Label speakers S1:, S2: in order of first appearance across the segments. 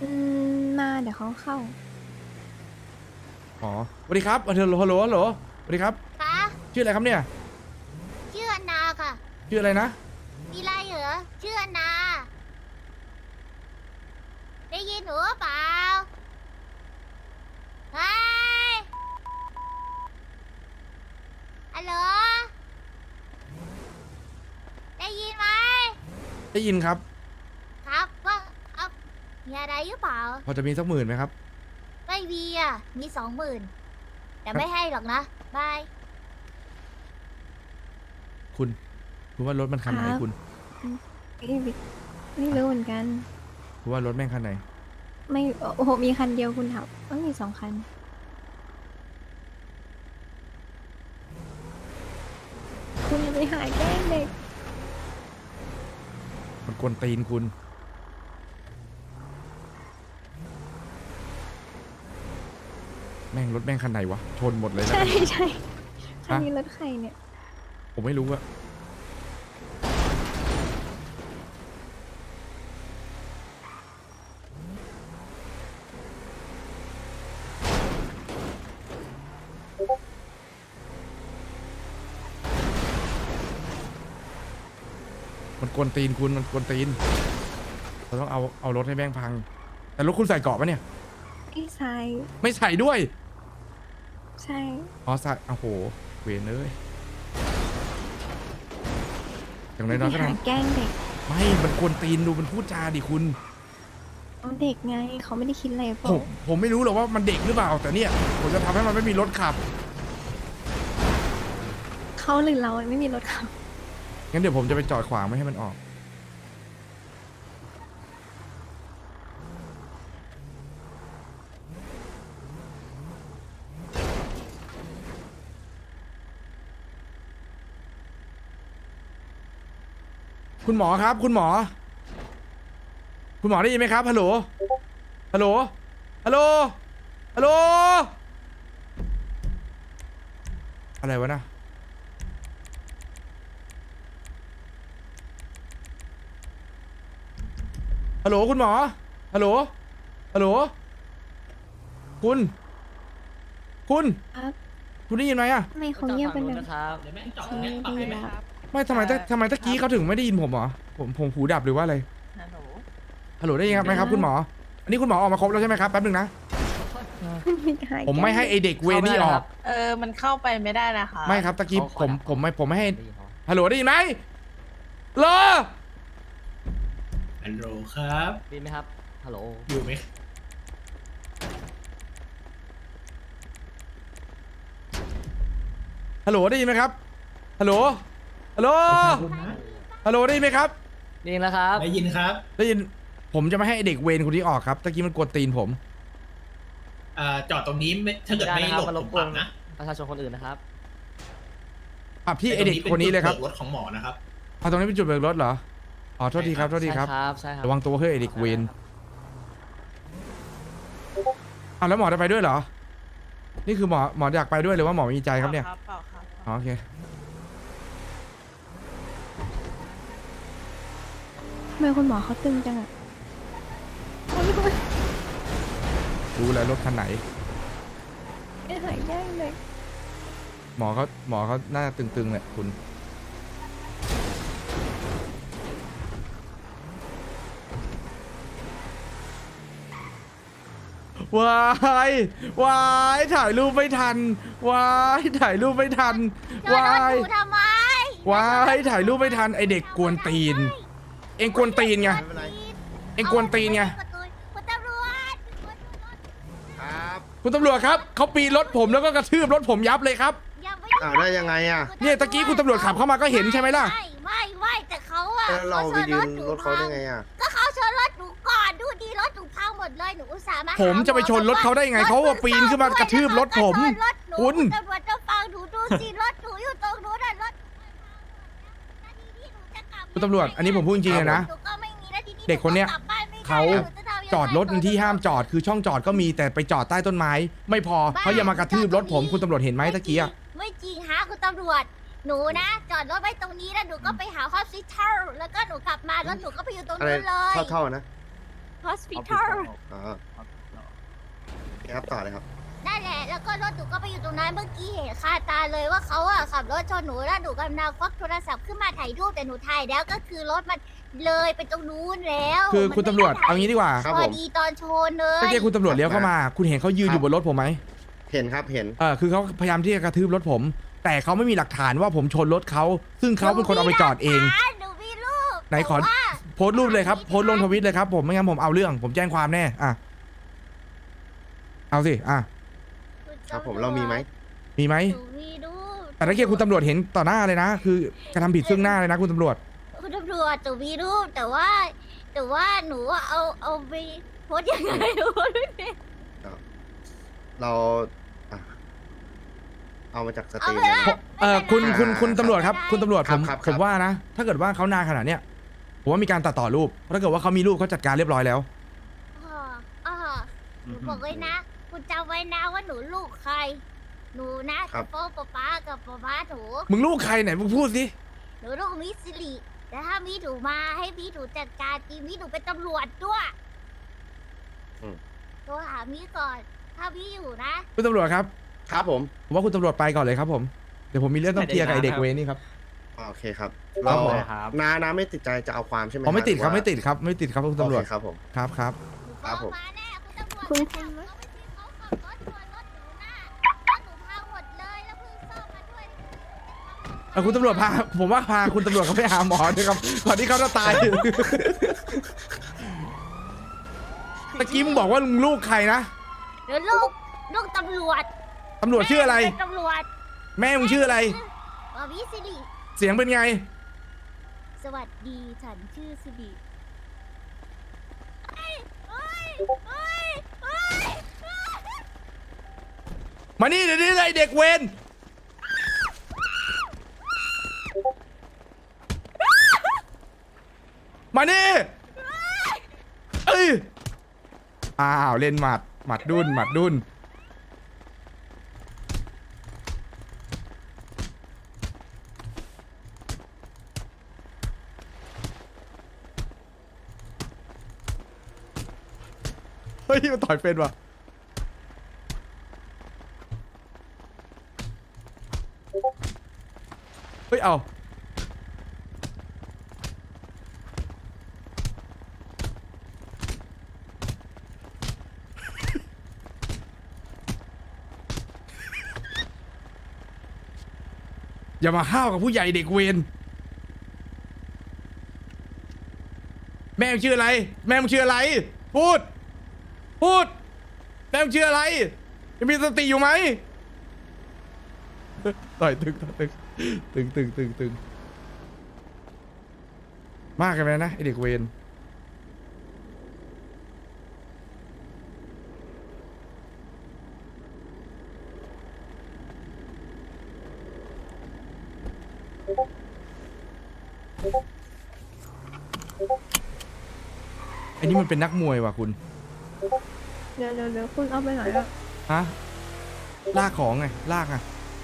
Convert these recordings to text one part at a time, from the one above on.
S1: มาเดี๋ยวเขาเข้า
S2: อ๋อสวัสดีครับฮัลโหลฮัลโหลฮัลโหลสวัสดีครับ
S3: คะ
S2: ชื่ออะไรครับเนี่ย
S3: ชื่ออนนาค่ะ
S2: ชื่ออะไรนะ
S3: มีอะไรเหรอชื่ออนนาได้ยินหนูหรือเปล่าเฮ้ยฮัลโหลได้ยินไหม
S2: ได้ยินครับ
S3: ครับว่าเอามีอะไรหรือเปล่า
S2: พอจะมีสัก10,000ไหมครับ
S3: ไม่มีอ่ะมี20,000แต่ไม่ให้หรอกนะบาย
S2: คุณว่ารถมันคันไหนคุณ
S1: ไม่รู้เหมือนกัน
S2: คุณว่ารถแม่งคันไหน
S1: ไม่โอ้โหมีคันเดียวคุณถามมี2 คันคุณอย่าไปหาแกล้งเด็ก
S2: มันกวนตีนคุณ แม่งรถแม่งคันไหนวะ ชนหมดเลยนะ
S1: ใช่ใช่คันนี้รถใครเนี่ย
S2: ผมไม่รู้อะมันกวนตีนคุณ มันกวนตีน เราต้องเอารถให้แม่งพัง แต่รถคุณใส่เกราะปะเนี่ย
S1: ไอ้ทราย
S2: ไม่ใส่ด้วย
S1: ใช่
S2: อ๋อใส่โอ้โห เวรเลยอย่างน้อยๆก็
S1: หา
S2: ทำ
S1: แกล้งเด็ก
S2: ไม่ มันกวนตีนดูมันพูดจาดิคุณ
S1: เอาเด็กไงเขาไม่ได้คิดอะไรเป
S2: ผ
S1: ล่าม
S2: ผมไม่รู้หรอกว่ามันเด็กหรือเปล่า แต่เนี่ยผมจะทำให้มันไม่มีรถขับ
S1: เขาหรือเราไม่มีรถขับ
S2: งั้นเดี๋ยวผมจะไปจอดขวางไม่ให้มันออก คุณหมอครับ คุณหมอ คุณหมอได้ยินไหมครับ ฮัลโหล ฮัลโหล ฮัลโหล ฮัลโหล อะไรวะนะ ฮัลโหลคุณหมอ ฮัลโหล ฮัลโหล คุณ
S1: ครับ
S2: คุณได้ยินไหมอะ
S1: ทำไมเขาเงียบกันจัง
S4: นะครับ
S1: เขาไม่ได้ยินแล้ว
S2: ไม่ทำไมตะกี้เขาถึงไม่ได้ยินผมเหรอ ผมหูดับหรือว่าอะไร
S4: ฮัลโหล
S2: ฮัลโหลได้ยินครับไหมครับคุณหมอ อันนี้คุณหมอออกมาครบแล้วใช่ไหมครับแป๊บนึงนะ ผมไม่ให้ไอเด็กเวรนี่ออก
S4: มันเข้าไปไม่ได้นะคะ
S2: ไม่ครับตะกี้ผมไม่ให้ ฮัลโหลได้ยินไหมเหรอ
S5: ฮัลโหลครับ
S4: ดีไหมครับ ฮัลโหล
S5: อยู่ไหม
S2: ฮัลโหลได้ยินไหมครับ ฮัลโหล ฮัลโหล
S5: คุณนะ
S2: ฮัลโหลได้ยินไหมครับ
S4: ดีแล้วครับ
S5: ได้ยินครับ
S2: ได้ยิน ผมจะไม่ให้ไอ้เด็กเวรคนนี้ออกครับ ตะกี้มันกวนตีนผม
S5: จอดตรงนี้ไม่ถ้าเกิดไม่หลบ
S4: ไม่ได้นะครับ
S5: ผมปรับนะ
S4: ประชาชนคนอื่นนะครับ
S2: ปรับที่ไอเด็กคนนี้เลยครับ
S5: รถของหมอนะครับ
S2: เอาตรงนี้เป็นจุดเบิกรถเหรอ อ๋อ โทษทีครับ โทษทีครับ
S4: ใช่ครับ
S2: ระวังตัวเฮ้ยไอเด็กเวรอ้าวแล้วหมอจะไปด้วยเหรอ นี่คือหมออยากไปด้วยหรือว่าหมอมีใจครับเนี่ย
S4: เปล่าครับ
S2: อ๋อโอเค
S1: ทำไมคุณหมอเขาตึงจังอะเขาไม่รู้
S2: รู้แล้วรถคันไหน
S1: ไม่หายแกล้งเด็ก
S2: หมอเขาน่าจะตึงๆแหละคุณ วายวายถ่ายรูปไม่ทัน วายถ่ายรูปไม่ทัน
S3: จอด
S2: วาร
S3: ถ
S2: ย
S3: หนูทำไม
S2: วายถ่ายรูปไม่ทันไอเด็กกวนตีน เอ็งกวนตีนไง เอ็งกวนตีนไง
S3: คุณตำรวจ
S2: คุณตำรวจครับเขาปีนรถผมแล้วก็กระทืบรถผมยับเลยครับ
S3: ยังไม่
S6: ได้ยังไงอ่ะ
S2: เนี่ยตะกี้คุณตำรวจขับเข้ามาก็เห็นใช่ไหมล่ะ
S3: ไม่แต่เขาอะ
S6: แล้วเราไปยืนรถเขาได้ไงอ่ะ
S3: ก็เขาชนรถหนูก่อนดูดีรถหนูพังหมดเลยหนูอุตส่าห์มาหา
S2: ผมจะไปชนรถเขาได้ไงเขาว่าปีนขึ้นมากระทืบรถผม คุณ
S3: ตำรวจจะฟังหนูดูสิรถหนูอยู่ตรงนู้นน่ะรถ
S2: คุณตำรวจ อันนี้ผมพูดจริงๆเลยนะ
S3: หนูก็ไม่มีแล้วที
S2: เด็กคนเนี้ย
S3: หกลับบ้นไม่ได้
S2: เขา
S3: หนูจะทำยังไง
S2: จอดรถในที่ห้ามจอดคือช่องจอดก็มีแต่ไปจอดใต้ต้นไม้ ไม่พอเขายังมากระทืบรถผมคุณตำรวจเห็นไหมตะกี้อะ
S3: ไม่จริงฮะคุณตำรวจหนูนะ จอดรถไว้ตรงนี้แล้วหนูก็ไปหาฮอสพิทอลแล้วก็หนูกลับมาแล้วหนูก็ไปอยู่ตรง
S6: อะไร
S3: นู้นเลย
S6: เท่าๆนะ
S3: hospital
S6: อ๋อครับต่อเลยครับ
S3: นั่นแหละ แล้วก็รถหนูก็ไปอยู่ตรงนั้นเมื่อกี้เห็นคาตาเลยว่าเขาอะขับรถชนหนูแล้วหนูกำลังควักโทรศัพท์ขึ้นมาถ่ายรูปแต่หนูถ่ายแล้วก็คือรถมันเลยไปตรงนู้นแล้ว
S2: คือ
S3: มัน
S2: คุณตำรวจ
S3: ไม่ได้
S2: เอางี้ดีกว่า
S6: ครับ
S3: พ
S6: ผ
S3: อ
S6: ม
S3: ดีตอนชนเลย
S2: เมื่อกี้คุณตำรวจเลี้ยวเข้ามา คุณเห็นเขายืนอยู่บนรถผมไหม
S6: เห็นครับเห็น
S2: คือเขาพยายามที่จะกระทืบรถผม แต่เขาไม่มีหลักฐานว่าผมชนรถเขาซึ่งเขาเป็นคนเอาไปจอดเอง
S3: หนูมีรูป
S2: ไหนขอ
S3: แต่ว่า
S2: โพสต์รูปเลยครับโพสต์ลงทวิตเลยครับผมไม่งั้นผมเอาเรื่องผมแจ้งความแน่อ่ะเอาสิอ่ะ
S6: ครับผมเรามีไหม
S2: มีไหม
S3: หนูมีรูป
S2: แต่ถ้าเกิดคุณตำรวจเห็นต่อหน้าเลยนะ คือกระทำผิดซึ่งหน้าเลยนะคุณตำรวจ
S3: คุณตำรวจหนูมีรูปแต่ว่าหนูอะเอาไปโพสต์ยังไงหนูโพสต์ไม่เป็น
S6: เราอ่ะเอามาจากสต
S3: เอา
S6: รีม
S3: ไป
S6: เลย
S3: ละ
S6: นะ
S2: คุณตำรวจครับ คุณตำรวจผม
S6: ครับ
S2: ผมว่านะ ถ้าเกิดว่าเขานานขนาดเนี้ยผมว่ามีการตัดต่อรูปเพราะถ้าเกิดว่าเขามีรูปเขาจัดการเรียบร้อยแล้ว
S3: หนูบอกไว้นะ คุณจำไว้นะว่าหนูลูกใคร หนูนะกับพ่อป๊ากับป๊าหนู
S2: มึงลูกใครไหนมึงพูดสิ
S3: หนูลูกมิสซิลิแต่ถ้ามีหนูมาให้มีหนูจัดการทีมีหนูเป็นตำรวจด้วยโทรหามีก่อน ถ้ามีอยู่นะ
S2: คุณตำรวจครับ
S6: ครับผม
S2: ผมว่าคุณตำรวจไปก่อนเลยครับผมเดี๋ยวผมมีเรื่องต้องเคลียร์กับไอ้เด็กเวรนี่ครับ
S6: โอเคครับ
S2: ครั
S6: เรา
S2: บผม
S6: น้าไม่ติดใจจะเอาความใช่ไหม
S2: อ๋อไม่ติดครับ
S6: หอว่า
S2: ไม่ติดครับไม่ติดครับคุณตำรวจ
S6: โอเคครับผม
S2: ครับครับ
S3: หนู
S6: ครับผม
S3: มาแน่คุณตำรวจ
S1: คุณ
S3: แต่
S1: คุณไหม
S3: เขาไม่ใช่เขาขับรถชนรถหนูนะรถหนูพังหมดเลยแล้วเพิ่งซ่อมมาด้วย
S2: คุณตำรวจพาผมว่าพาคุณตำรวจเขาไปหาหมอด้วยครับก่อนที่เขาจะตาย ตะกี้มึงบอกว่ามึงลูกใครนะ
S3: เดี๋ยวลูกตำรวจ
S2: ตำรวจชื่ออะไร
S3: แม่เป็นตำรวจ
S2: แม่มึงชื่ออะไร
S3: มิสซิลิ
S2: เสียงเป็นไง
S3: สวัสดีฉันชื่อสิริเฮ้ยเฮ้ยเฮ้ยเฮ้ย
S2: มานี่เดี๋ยวนี้เลยเด็กเวรมานี่เอ้ยอ้าวเล่นหมัดดุนหมัดดุนเฮ้ยมันต่อยเป็นว่ะเฮ้ยเอาอย่ามาห้าวกับผู้ใหญ่เด็กเวรแม่มึงชื่ออะไร แม่มึงชื่ออะไร พูดแม่มึงชื่ออะไรยังมีสติอยู่ไหมต่อยตึงมากกันไปนะไอเด็กเวรไอ้นี่มันเป็นนักมวยว่ะคุณ
S1: เดี๋ยวคุณเอาไปไหนอะ
S2: ฮะลากของไงลากไง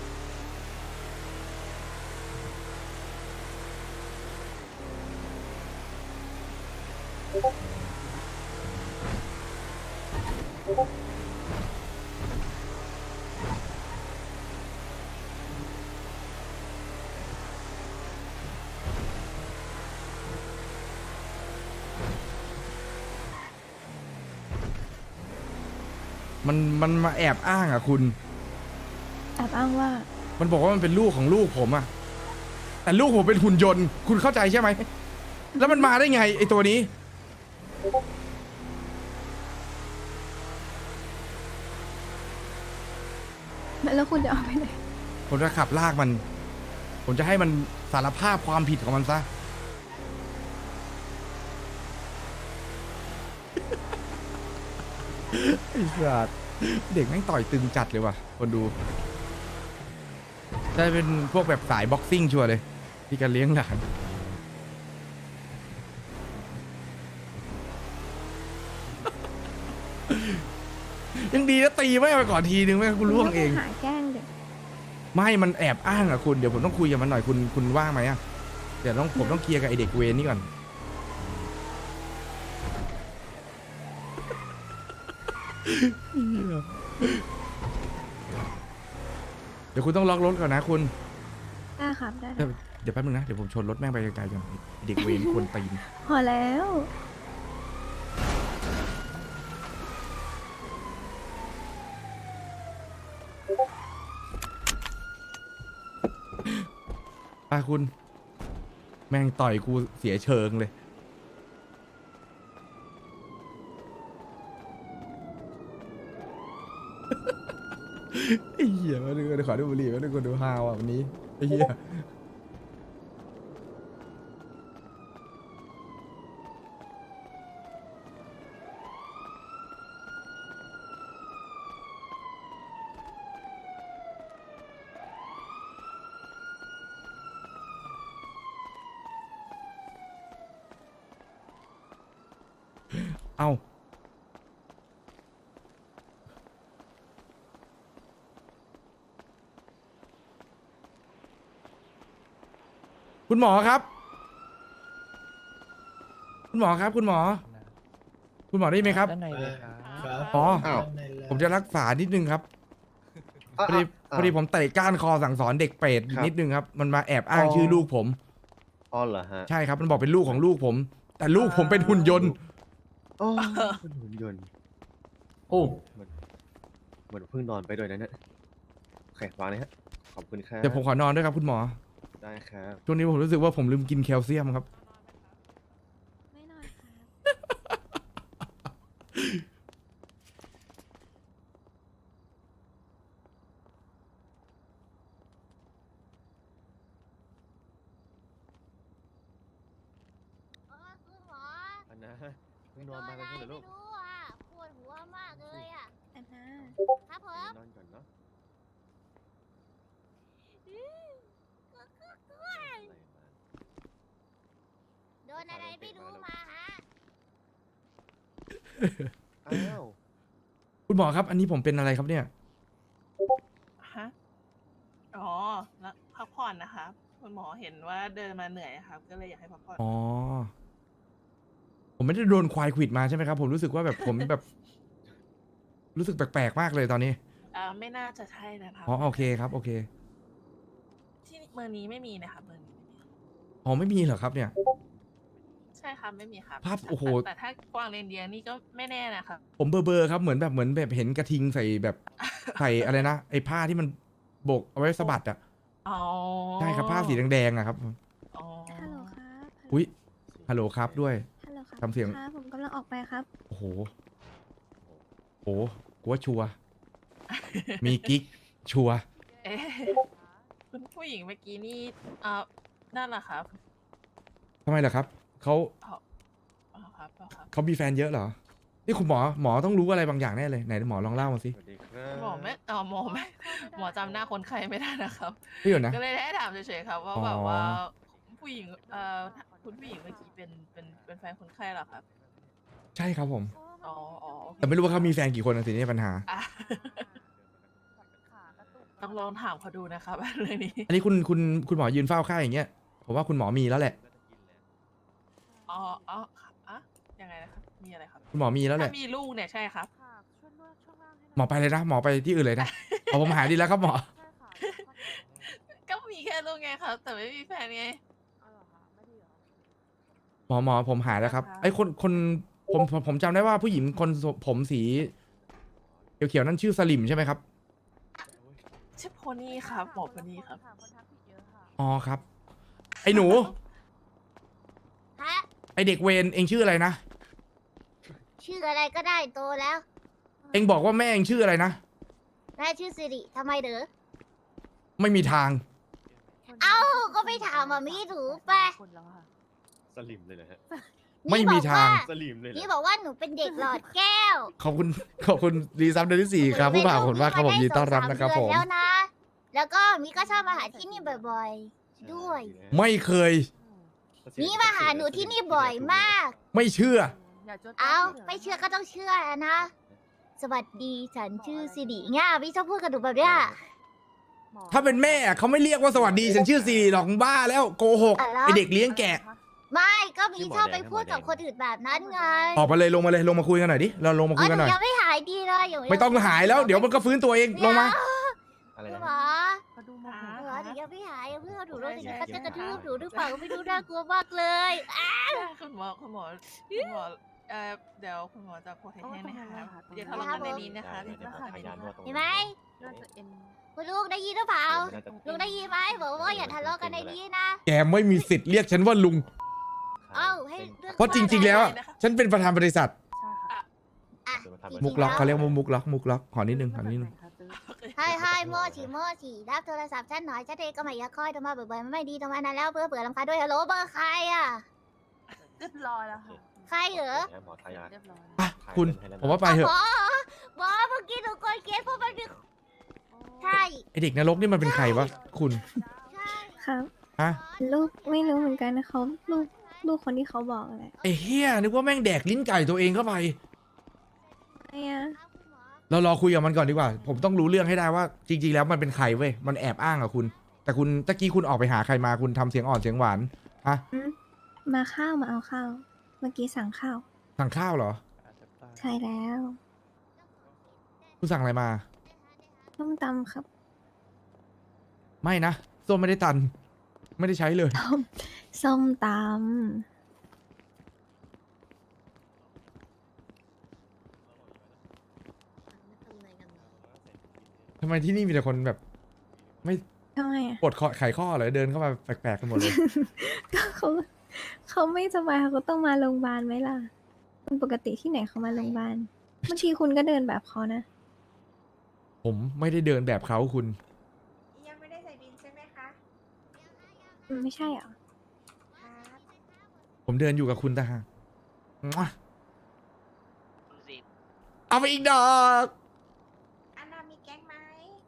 S2: มันมาแอบอ้างอ่ะคุณ
S1: แอบอ้างว่า
S2: มันบอกว่ามันเป็นลูกของลูกผมอะแต่ลูกผมเป็นหุ่นยนต์ คุณเข้าใจใช่ไหม แล้วมันมาได้ไงไอตัวนี้
S1: แล้วคุณจะเอาไปไหน
S2: ผมจะขับลากมัน ผมจะให้มันสารภาพความผิดของมันซะ ไอ้สัสเด็กแม่งต่อยตึงจัดเลยว่ะ คนดูได้เป็นพวกแบบสายบ็อกซิ่งชัวร์เลยที่การเลี้ยงหลานยังดีนะตีไม่ไปก่อนทีนึงไม่กูล่วงเอง
S1: หาแกล้งเด็ก
S2: ไม่มันแอบอ้างอะคุณเดี๋ยวผมต้องคุยกับมันหน่อยคุณว่างไหมอะเดี๋ยวผมต้องเคลียร์กับไอเด็กเวรนี่ก่อนเดี๋ยวคุณต้องล็อกรถก่อนนะคุณ
S1: ได้ครับได้
S2: เดี๋ยวแป๊บนึงนะ เดี๋ยวผมชนรถแม่งไปไกลๆก่อนเด็กเวรควรตีน
S1: พอแล้ว
S2: ไปคุณ แม่งต่อยกูเสียเชิงเลย ไอ้เหี้ยมาดูขอดูบุหรี่มาดูคนดูฮาวอ่ะวันนี้ไอ้เหี้ยเอ้าคุณหมอครับ คุณหมอครับ คุณหมอ คุณหมอได้ยินไหมครับ
S4: ด้านในเลยครับ
S5: ครับ
S2: อ๋อ
S6: อ้าว
S2: ผมจะรักษานิดนึงครับ
S6: อ่ะ
S2: พอดี
S6: อ่ะ
S2: พอดีผมเตะก้านคอสั่งสอนเด็กเปรต
S6: ครับ
S2: นิดนึงครับ มันมาแอบอ้างชื่อลูกผม
S6: อ๋อเหรอฮะ
S2: ใช่ครับ มันบอกเป็นลูกของลูกผม แต่ลูกผมเป็นหุ่นยนต์
S6: อ๋อเป็นหุ่นยนต์
S5: โอ้
S6: เหมือนเพิ่งนอนไปด้วยนะเนี่ยโอเควางเลยฮะขอบคุณครับ
S2: เดี๋ยวผมขอนอนด้วยครับคุณหมอ
S6: ได้ครับ
S2: ช่วงนี้ผมรู้สึกว่าผมลืมกินแคลเซียมครับ
S1: ไม่นอนครับ
S3: คุณหมอ
S6: อันนะเพิ่งนอนมาเป็นเพื่อนเหรอลูก
S3: ไม่รู้อ่ะปวดหัวมากเลยอ่ะ
S1: อันน่า
S3: ครับผม
S6: นอนก่อนเนาะ
S3: โดนอะไรไม่รู้มาฮะ
S6: อ้าว
S2: คุณหมอครับ อันนี้ผมเป็นอะไรครับเนี่ย
S7: ฮะ อ๋อ แล้วพักผ่อนนะครับ คุณหมอเห็นว่าเดินมาเหนื่อยครับ ก็เลยอยากให้พักผ่อน
S2: อ๋อ ผมไม่ได้โดนควายขวิดมาใช่ไหมครับ ผมรู้สึกว่าแบบผมแบบ รู้สึกแปลกๆมากเลยตอนนี้
S7: ไม่น่าจะใช่นะครับ
S2: อ๋อโอเคครับ โอเค
S7: ที่เมืองนี้ไม่มีนะครับเมืองนี้ไม่มี
S2: อ๋อไม่มีเหรอครับเนี่ย
S7: ใช่ครับไม่มีครับ
S2: ภาพโอ้โห
S7: แต่ถ้ากวางเรนเดียร์นี่ก็ไม่แน่นะครับ
S2: ผมเบอร์ครับเหมือนแบบเห็นกระทิงใส่แบบ ใส่อะไรนะไอ้ผ้าที่มันโบกเอาไว้สะบัดอ่ะ
S7: อ๋อ
S2: ใช่ครับผ้าสีแดงๆอะครับ
S7: อ๋อ
S1: ฮัลโหลครับ
S2: อุ้ยฮัลโหลครับด้วย
S1: ฮัลโหลครับ
S2: ทำเสียง
S1: ครับผมกำลังออกไปครับ
S2: โอ้โหโอ้โหกูว่าชัวร์มีกิ๊กชัวร์
S7: เอ๊ะคุณผู้หญิงเมื่อกี้นี่นั่นแหละครับ
S2: ทำไมล่ะครับเขา
S7: อ๋อครับอ๋อครับ
S2: เขามีแฟนเยอะเหรอนี่คุณหมอต้องรู้อะไรบางอย่างแน่เลยไหนหมอลองเล่ามาสิ
S6: สวัสดีครับ
S7: หมอไม่หมอจำหน้าคนไข้ไม่ได้นะครับ
S2: พี่อยู่นะ
S7: ก็เลยได้ถามเฉยๆครับว่า
S2: อ๋อ
S7: แบบว่าผู้หญิงคุณผู้หญิงเมื่อกี้เป็นแฟนคนไข้เหรอครับ
S2: ใช่ครับผม
S7: อ๋ออ๋อโอเค
S2: แต่ไม่รู้ว่าเขามีแฟนกี่คนนะสินี่ปัญหา
S7: อ่ะต้องลองถามเขาดูนะครับ เรื่องนี้
S2: อันนี้คุณหมอยืนเฝ้าไข้อย่างเงี้ยผมว่าคุณหมอมีแล้วแหละ
S7: อ๋ออ๋ออ่ะยังไงนะครับมีอะไรครับ
S2: คุณหมอมีแล้วแห
S7: ถ้า
S2: ละ
S7: มีลูกเนี่ยใช่ครับ
S2: หมอไปเลยนะหมอไปที่อื่นเลยนะเอาผมหายดีแล้วครับหมอ
S7: ก็มีแค่ลูกไงครับ แต่ไม่มีแฟนไง
S2: หมอผมหายแล้วครับ
S7: ครับ
S2: ไอ้คนผมจำได้ว่าผู้หญิงคนผมสีเขียวๆนั่นชื่อสลิมใช่ไหมครับ
S7: ชื่อโพนี่ครับหมอโพนี่ครับ
S2: อ๋อครับ ไอ้หนู
S3: ฮะ
S2: ไอ้เด็กเวรเองชื่ออะไรนะ
S3: ชื่ออะไรก็ได้โตแล้ว
S2: เองบอกว่าแม่เองชื่ออะไรนะ
S3: แม่ชื่อสิริทำไมเด้อ
S2: ไม่มีทาง
S3: เอ้า ก็ไปถามมามีถูกไป
S6: สลิมเลยนะฮะ
S2: ไม่มีทาง
S6: สลิมเลยเหร
S3: นี่
S6: อ
S3: บอกว่าหนูเป็นเด็กหลอดแก้ว
S2: ขอบคุณรีซับเดือนที่ 4 ครับผู้บ่าวคนว่าครับผมยินดีต้อนรับนะครับผม
S3: แล้วนะ แล้วก็มีก็ชอบมาหาที่นี่บ่อยๆ ด้วย
S2: ไม่เคย
S3: มีมาหาหนูที่นี่บ่อยมาก
S2: ไม่เชื่อ
S3: เอาไม่เชื่อก็ต้องเชื่อนะ สวัสดีฉันชื่อสิริง่าพี่ชอบพูดกับหนูแบบเนี้ย
S2: ถ้าเป็นแม่เขาไม่เรียกว่าสวัสดีฉันชื่อซีหรอกบ้าแล้วโกหก
S3: อะไร
S2: ไอเด็กเลี้ยงแกะ
S3: ไม่ก็มีชอบไปพูดกับคนอื่นแบบนั้นไง
S2: ออกมาเลยลงมาคุยกันหน่อยดิเราลงมาคุยกันหน่อย
S3: ยังไม่หายายดีเลยอยู่
S2: ไม่ต้องหายแล้วเดี๋ยวมันก็ฟื้นตัวเองลงมา
S6: อะไร
S3: คุณ
S6: นะ
S3: หมอ
S7: เขาดูโมโห
S3: คุณหมอหนูยังไม่หายเพื่อนหนูรู้สึก
S7: ใช่
S3: เขาจะกระทืบ
S7: ใช่
S3: หนูหรือเปล่าก็ไม่รู้น่ากลัวมากเลย
S7: คุณหมอเดี๋ยวคุณหมอจะโพสให้นะคะเดี๋ยวทะเลาะกันในนี้นะคะ
S6: เดี๋ยวพยานนวดตรง
S3: เห็นไหม
S7: น่าจะเอ็น
S3: คุณลูกได้ยินหรือเปล่า
S6: น่าจะ
S3: ลุงได้ยินไหมบอกว่าอย่าทะเลาะกันในนี้นะ
S2: แกไม่มีสิทธิ์เรียกฉันว่าลุง
S3: เอ้าให้เรื่อง
S2: เพราะจริง ๆ แล้วอะฉันเป็นประธานบริษัท
S3: อ่ะ
S2: มุกล็อกเขาเรียกว่ามุกล็อกขอนิดนึง
S3: ให้โมฉีรับโทรศัพท์ฉันหน่อยฉันเองก็ไม่อยากคอยโทรมาบ่อยๆมันไม่ดีตรงนั้นแล้วเบื่อรำคาญด้วยฮัลโหลเบอร์ใครอ่ะ
S7: เรียบร้อยแล้วค่ะ
S3: ใครเหรอ
S6: หมอทายา
S7: เรียบร้อย
S2: อ่ะคุณผมว่าไปเถอะ
S3: หมอเมื่อกี้หนูกดเกสเพราะมันมีใช่
S2: ไอเด็กนรกนี่มันเป็นใครวะคุณ
S3: ใช่
S1: ครับ
S2: ฮะ
S1: ลูกไม่รู้เหมือนกันนะเขาลูกคนที่เขาบอกอะไร
S2: ไอเฮียนึกว่าแม่งแดกลิ้นไก่ตัวเองเข้าไป
S1: ไอ้อะ
S2: เรารอคุยกับมันก่อนดีกว่า ผมต้องรู้เรื่องให้ได้ว่า จริง ๆ แล้วมันเป็นใครเว้ยมันแอบอ้างกับคุณ แต่คุณตะกี้คุณออกไปหาใครมาคุณทำเสียงอ่อนเสียงหวานฮะ
S1: มาข้าวมาเอาข้าว เมื่อกี้สั่งข้าว
S2: สั่งข้าวเหรอ
S1: ใช่แล้ว
S2: คุณสั่งอะไรมา
S1: ต้มตำครับ
S2: ไม่นะส้มไม่ได้ตัน ไม่ได้ใช้เลย
S1: ส้มต
S2: ทำไมที่นี่มีแต่คนแบบ ไม่
S1: ำทำไมอะ
S2: ปวดคอไขข้อเหรอเดินเข้ามาแปลกๆกันหมดเลย
S1: ก็เขาไม่สบายเขาก็ต้องมาโรงพยาบาลไหมล่ะเป็นปกติที่ไหนเขามาโรงพยาบาลบางทีคุณก็เดินแบบเขานะ
S2: ผมไม่ได้เดินแบบเขาคุณ
S8: ยังไม่ได้ใส่บินใช่ไหมคะ
S1: ไม่ใช่เหรอ
S8: ครับ
S2: ผมเดินอยู่กับคุณตาหากมั่วเอาไปอีกดอก
S8: อันนามีแก๊งไหม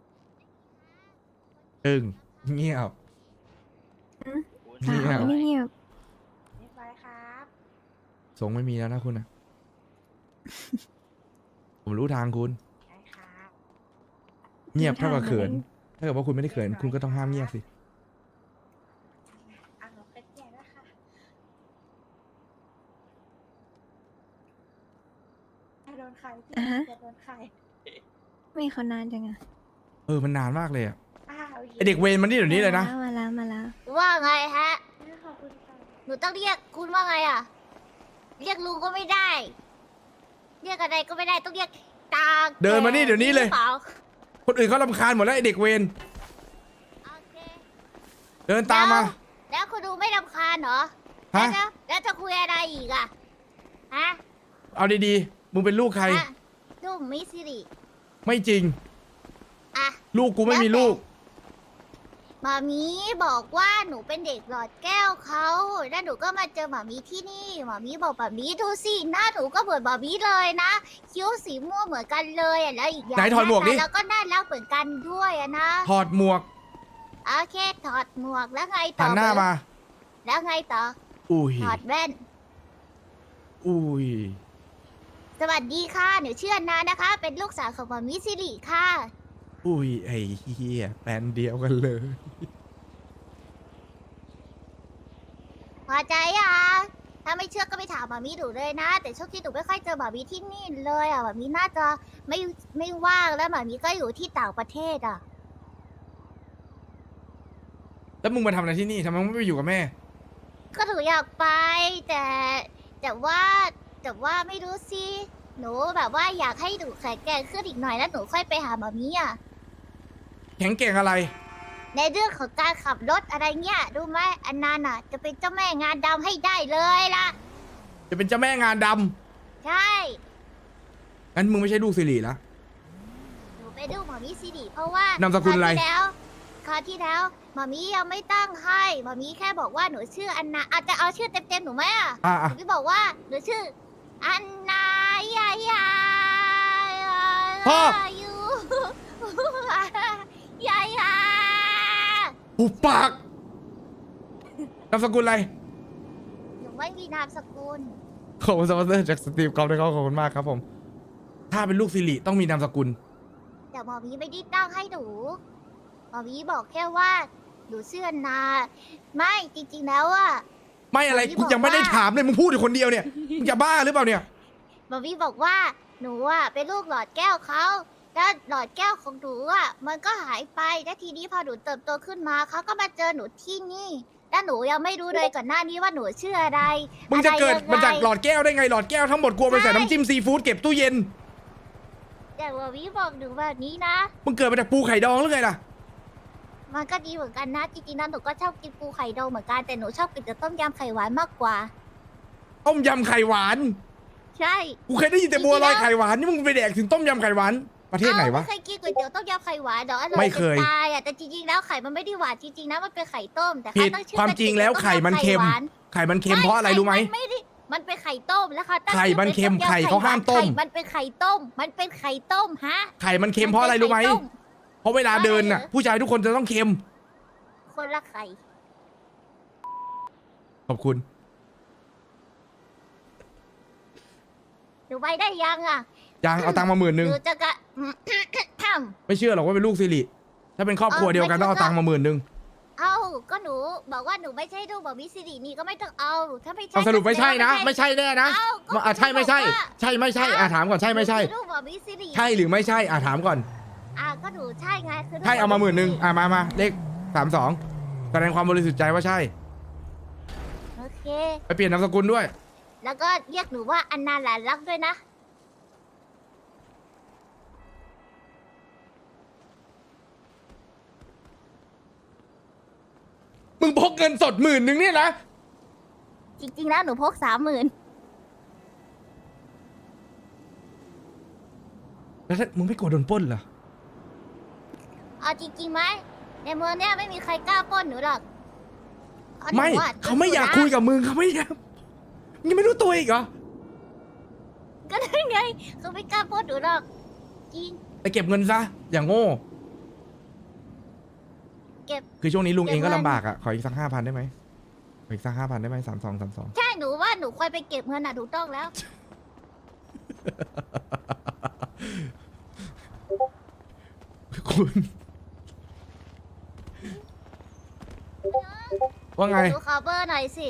S2: ตึงเงียบ
S1: สาวเงียบ
S8: เรียบร้อยครับ
S2: สงไม่มีแล้วนะคุณนะ ผมรู้ทางคุณ
S8: ได้ครับ
S2: เงียบเท่ากับเขิน ถ้าเกิดว่าคุณไม่ได้เขิน คุณก็ต้องห้ามเงียบสิ
S8: อ่ะหนูเป็นแก่แล้วค่ะจะโดนใครพี่จะโดนใคร
S1: ไม่เขานานจังอะ
S2: มันนานมากเลยอะ
S8: โอค
S2: ไอเด็กเวรมันนี่เดี๋ยวนี้เลยนะ
S1: มาแล้ว
S3: ว่าไงฮะ
S8: ขอบคุณค่ะ
S3: หนูต้องเรียกคุณว่าไงอ่ะ เรียกลุงก็ไม่ได้ เรียกอะไรก็ไม่ได้ต้องเรียกตา
S2: เดินมานี่เดี๋ยวนี้เลย
S3: หรือปา
S2: คนอื่นเขารำคาญหมดแล้วไอเด็กเวร
S3: โอเค
S2: เดินตามมา
S3: แล้วคุณดูไม่รำคาญเหรอ
S2: ฮะ
S3: แล้วจะคุยอะไรอีกอ่ะ ฮะ
S2: เอาดีๆ มึงเป็นลูกใคร
S3: ฮะลูกมิสซิริ
S2: ไม่จริง
S3: อ่ะ
S2: ลูกกูไม่มีลูก
S3: หมามีบอกว่าหนูเป็นเด็กหลอดแก้วเขาแล้วหนูก็มาเจอหมามีที่นี่หมามีบอกหมามีดูสิหน้าหนูก็เหมือนหมามีเลยนะคิ้วสีม่วงเหมือนกันเลยอ่ะแล้วอีกอย่าง
S2: ไหนถอดหมวกดิ
S3: แล้วก็น่ารักเหมือนกันด้วยอ่ะนะ
S2: ถอดหมวก
S3: โอเคถอดหมวกแล้วไงต่
S2: หั
S3: อน
S2: หน้ามา
S3: แล้วไงต่อ
S2: อุ้ย
S3: ถอดแว่น
S2: อุ้ย
S3: สวัสดีค่ะหนูชื่ออันนานะคะ เป็นลูกสาวของหมามีสิริค่ะ
S2: อุ้ยไอ้เฮียแฟนเดียวกันเลย
S3: พอใจอ่ะถ้าไม่เชื่อก็ไปถามหมามีดูเลยนะ แต่ช่วงที่หนูไม่ค่อยเจอหมามีที่นี่เลยอ่ะหมามีน่าจะไม่ว่างแล้วหมามีก็อยู่ที่ต่างประเทศอ่ะ
S2: แล้วมึงมาทำอะไรที่นี่ทำไมมึงไม่ไปอยู่กับแม่
S3: ก็หนูอยากไป แต่ว่าไม่รู้สิหนูแบบว่าอยากให้หนูแข็งแกร่งขึ้นอีกหน่อยแล้วหนูค่อยไปหาหมามีอ่ะ
S2: แข็งเก่งอะไร
S3: ในเรื่องของการขับรถอะไรเงี้ยรู้ไหมอันนั้นอ่ะ จะเป็นเจ้าแม่งานดำให้ได้เลยล่ะ
S2: จะเป็นเจ้าแม่งานด
S3: ใช่
S2: ำงั้นมึงไม่ใช่ลูกสิริละ
S3: หนูไปดูหมามีสิริเพราะว่าน
S2: ามสกุลอะไร
S3: คราวที่แล้วหมามียังไม่ตั้งให้หมามีแค่บอกว่าหนูชื่ออันนาอาจจะเอาชื่อเต็มๆหนูไหมอ่ะ
S2: อ่ะ
S3: หนูบอกว่าหนูชื่ออันนายายา
S2: พ่อ
S3: ยูยายา
S2: หุบปากนามสกุลอะไร
S3: หนูไม่มีนามสกุล
S2: ขอบคุณสปอนเซอร์จากสตีฟกอล์ฟด้วยครับขอบคุณมากครับผม ถ้าเป็นลูกสิริต้องมีนามสกุล
S3: แต่หมอมีไม่ได้ตั้งให้หนูหมอมีบอกแค่ว่าหนูชื่ออันนาไม่จริงๆแล้วอ่ะ
S2: ไม่อะไร
S3: ที่
S2: กู
S3: บอก
S2: ยังไม่ได้
S3: ว่า
S2: ถามเลยมึงพูดอยู่คนเดียวเนี่ยมึงจะบ้าหรือเปล่าเนี่ย
S3: หมามีบอกว่าหนูอ่ะเป็นลูกหลอดแก้วเขาแล้วหลอดแก้วของหนูอ่ะมันก็หายไปแล้วทีนี้พอหนูเติบโตขึ้นมาเขาก็มาเจอหนูที่นี่แล้วหนูยังไม่รู้เลยก่อนหน้านี้ว่าหนูชื่ออะไร
S2: มึงจะเกิด
S3: อะไรยังไง
S2: มาจากหลอดแก้วได้ไงหลอดแก้วทั้งหมดกลัวไปใส่น้ำจิ้มซีฟู้ดเก็บตู้เย็น
S3: แต่หมามีบอกหนูแบบนี้นะ
S2: มึงเกิดมาจากปูไข่ดองหรือไงล่ะ
S3: มันก็ดีเหมือนกันนะจริงๆนะหนูก็ชอบกินปูไข่ดองเหมือนกันแต่หนูชอบกินแต่ต้มยำไข่หวานมากกว่า
S2: ต้มยำไข่หวาน
S3: ใช่
S2: กูเคยได้ยินแต่บัวลอยไข่หวานนี่มึงไปแดกถึงต้มยำไข่หวานประเทศไหนวะ
S3: ไม่เคยกินก๋วยเตี๋ยวต้มยำไข่หวานเหรออร่อย
S2: ไม่เคย
S3: จะตายอ่ะแต่จริงๆแล้วไข่มันไม่ได้หวานจริงๆนะมันเป็นไข่ต้มแต่
S2: ผิ
S3: เขา
S2: ด
S3: ตั้งชื่อ
S2: ความจริงแล้วไข่มันเค็ม ไข่มันเค็มเพราะอะไรรู้ไหม
S3: ไม่ได้มันเป็นไข่ต้มแล้วค่ะตั้ง
S2: ไข่
S3: ชื่อ
S2: มันเค็ม
S3: ป็น
S2: ไข่เขาห้ามต้ม
S3: ไข่มันเป็นไข่ต้ม มันเป็นไข่ต้มฮะ
S2: ไข่มันเค็มเพราะอะไรรู้ไหม
S3: นเป็นข่ต้
S2: เพราะเวลาเดินน่ะ ผู้ชายทุกคนจะต้องเค็ม
S3: คนละไข่
S2: ขอบคุณ
S3: หนูไปได้ยังอ่ะ
S2: ยังเอาตังค์มา10,000
S3: หนูจะกะ
S2: ไม่เชื่อหรอกว่าเป็นลูกสิริถ้าเป็นครอบครัวเดียวกันต้องเอาตังค์มา10,000
S3: เอ้าก็หนูบอกว่าหนูไม่ใช่ลูกบอกมิสิรินี่ก็ไม่ต้องเอาถ้าไม่ใช่
S2: เอาสรุปไม่ใช่นะ
S3: ก็
S2: ไม่ใช่แน่นะ
S3: เอ้าก็
S2: ใช่ไม่ใช่
S3: บอกว่า
S2: ใช่ไม่ใช่ถามก่อนใช่ไม่ใช่
S3: หนูคือลูกบอกมิสิริ
S2: ใช่หรือไม่ใช่ถามก่อน
S3: ก็หนูใช่ไงคือลูก
S2: ใช่เอามา
S3: บก
S2: 10,000มาเลข32แสดงความบริสุทธิ์ใจว่าใช่
S3: โอเค
S2: ไปเปลี่ยนนามสกุลด้วย
S3: แล้วก็เรียกหนูว่าอันนาหลานรักด้วยนะ
S2: มึงพกเงินสด10,000เนี่ยนะ
S3: จริงๆแล้วหนูพก30,000
S2: แล้วถ้ามึงไม่กลัวโดนปล้นเหรอ
S3: เอาจริงๆไหมในเมืองเนี้ยไม่มีใครกล้าปล้นหนูหรอกพระหนู
S2: ไม่
S3: อะ
S2: เขาไม่อยากคุยกับมึงเขาไม่อยากมึงยังไม่รู้ตัวอีกเหรอ
S3: ก็ได้ไงเขาไม่กล้าปล้นหนูหรอกจริง
S2: ไปเก็บเงินซะอย่างโง่
S3: เก็บ
S2: คือช่วงนี้ลุงเองก็
S3: เก็บเงิน
S2: ลำบากอ่ะขออีกสัก5,000ได้ไหมขออีกสัก5,000ได้ไหม32
S3: ใช่หนูว่าหนูควรไปเก็บเงินอ่ะถูกต้องแล้ว
S2: คุณ ว่าไง
S3: หนูขอเบอร์หน่อยสิ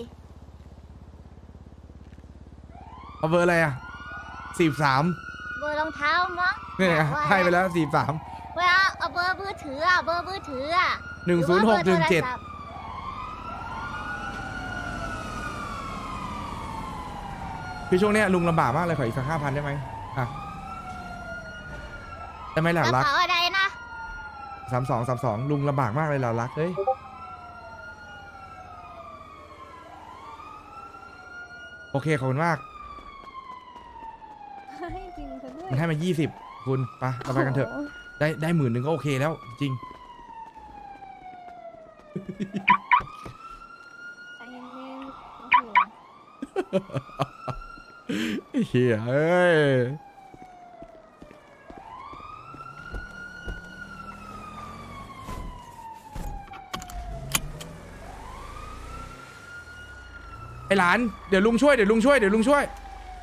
S2: เอาเบอร์อะไรอ่ะ43
S3: เบอร์รองเท้ามั้ง
S2: เนี่ย
S3: ว่า
S2: ให้ไปแล้ว43
S3: เวลาเอาเบอร์มือถืออ่ะเบอร์มือถืออ่ะ
S2: 10617คือช่วงเนี้ยลุงลำบากมากเลยขออีกสัก5,000ได้ไหมอ่ะได้ไหมห
S3: ก
S2: ล่ะ
S3: ระ
S2: รัก
S3: เป๋าอะไรนะ
S2: 32 ลุงลำบากมากเลยหล่ะรักเฮ้ยโอเคขอบคุณมาก
S1: ให้จริงซะด้วย
S2: มันให้มา20คุณไปเราไปกันเถอะ
S1: โโห
S2: ได้10,000ก็โอเคแล้วจริง
S1: ใจเย็นๆโอ้โห
S2: เฮียเอ้ยไอหลานเดี๋ยวลุงช่วย
S3: ได้แล้วได้แล้ว
S2: เดี๋ยวลุงช่วย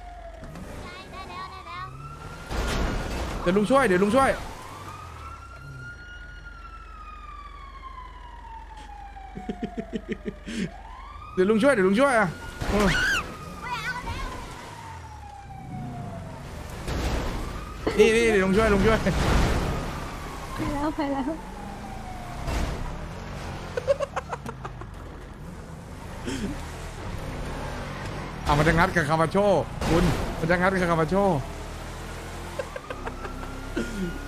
S2: เดี๋ยวลุงช่วยเดี๋ยวลุงช่วยอ่ะเออนี่เดี๋ยวลุงช่วย
S1: ไปแล้ว
S2: เอามันจะงัดกับคามาโชคุณมันจะงัดกับคามาโช